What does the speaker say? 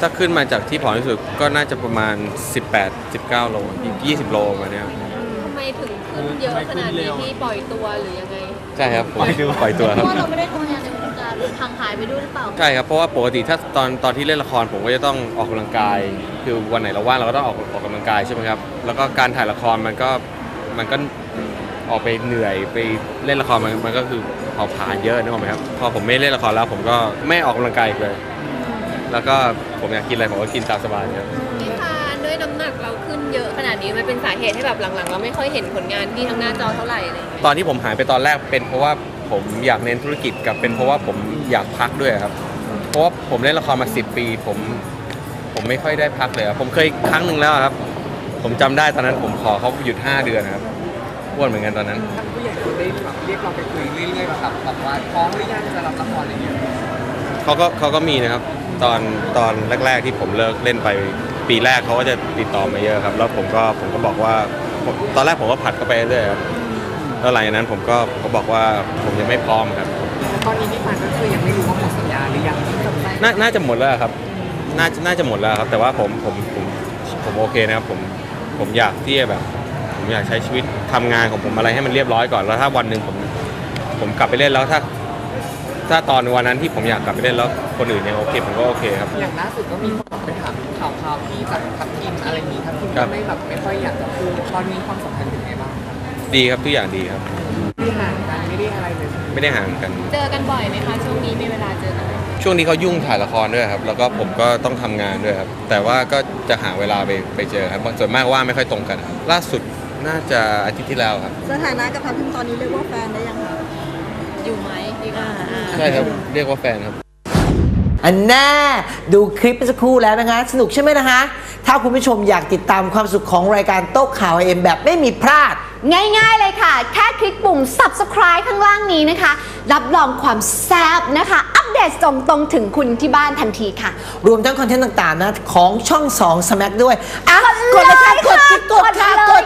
ถ้าขึ้นมาจากที่ผอมที่สุดก็น่าจะประมาณ18-19 โล20 โลมาเนี้ยทำไมถึงขึ้นเยอะขนาดนี้ที่ปล่อยตัวหรือยังไงใช่ครับผมปล่อยตัวเพครับราะว่าเราไม่ได้ทำงานในวงการห่างหายไปด้วยหรือเปล่าใช่ครับเพราะว่าปกติถ้าตอนที่เล่นละครผมก็จะต้องออกกำลังกาย คือวันไหนเราว่างเราก็ต้องออกกำลังกายใช่ไหมครับแล้วก็การถ่ายละครมันก็ออกไปเหนื่อยไปเล่นละครมันก็คือเผาผลาญเยอะนึกออกไหมครับพอผมไม่เล่นละครแล้วผมก็ไม่ออกกำลังกายอีกเลย แล้วก็ผมอยากกินอะไรผมก็กินตามสบายครับพี่พานด้วยน้ำหนักเราขึ้นเยอะขนาดนี้มันเป็นสาเหตุให้แบบหลังๆ เราไม่ค่อยเห็นผลงานที่ทางหน้าจอเท่าไหร่อะไรอย่างเงี้ยตอนที่ผมหายไปตอนแรกเป็นเพราะว่าผมอยากเน้นธุรกิจกับเป็นเพราะว่าผมอยากพักด้วยครับเพราะว่าผมเล่นละครมา10 ปีผมไม่ค่อยได้พักเลยครับผมเคยครั้งหนึ่งแล้วครับผมจำได้ตอนนั้นผมขอเขาหยุด5 เดือนนะครับอ้วนเหมือนกันตอนนั้นท่านผู้ใหญ่ได้แบบเรียกเราไปคุยเรื่อยๆแบบว่าท้องหรือยังจะรับละครอะไรอย่างเงี้ยเขาก็มีนะครับตอนแรกๆที่ผมเลิกเล่นไปปีแรกเขาก็จะติดต่อมาเยอะครับแล้วผมก็บอกว่าตอนแรกผมก็ผัดเข้าไปเรื่อยครับแล้วหลังจากนั้นผมก็บอกว่าผมยังไม่พร้อมครับตอนนี้พี่ฟันก็คือยังไม่รู้ว่าหมดสัญญาหรือยังที่กับได้น่าจะหมดแล้วครับน่าจะหมดแล้วครับแต่ว่าผมโอเคนะครับผมอยากที่จะแบบผมอยากใช้ชีวิตทำงานของผมอะไรให้มันเรียบร้อยก่อนแล้วถ้าวันหนึ่งผมกลับไปเล่นแล้วถ้าตอนวันนั้นที่ผมอยากกลับไปเล่นแล้วคนอื่นยังโอเคผมก็โอเคครับอย่างล่าสุดก็มีคนไปถามข่าวที่จากทัพทีมอะไรนี้ทัพทีมครัก็บไม่ค่อยอยากจะพูดตอนนี้ความสัมพันธ์เป็นไงบ้างครับดีครับทุกอย่างดีครับไม่ห่างกันไม่ได้อะไรเลยไม่ได้ห่างกันเจอกันบ่อยไหมคะช่วงนี้มีเวลาเจอกันไหมช่วงนี้เขายุ่งถ่ายละครด้วยครับแล้วก็ผมก็ต้องทำงานด้วยครับแต่ว่าก็จะหาเวลาไปเจอครับส่วนมากว่าไม่ค่อยตรงกันครับล่าสุดน่าจะอาทิตย์ที่แล้วครับสถานะกับทัพทิมตอนนี้เรียกว่าแฟนได้ยังคะอยู่ไหมดีกว่าใช่ครับเรียกว่าแฟนครับอันแน่ดูคลิปเมื่อสักครู่แล้วนะคะ สนุกใช่ไหมนะคะ ถ้าคุณผู้ชมอยากติดตามความสุขของรายการโต๊ะข่าวเอ็มแบบไม่มีพลาดง่ายๆเลยค่ะ แค่คลิกปุ่ม subscribe ข้างล่างนี้นะคะ รับรองความแซ่บนะคะ อัปเดตส่งตรงถึงคุณที่บ้านทันทีค่ะรวมทั้งคอนเทนต์ต่างๆนะของช่อง2 Smack ด้วยอ่ะกดเลยค่ะกดค่ะกดเลย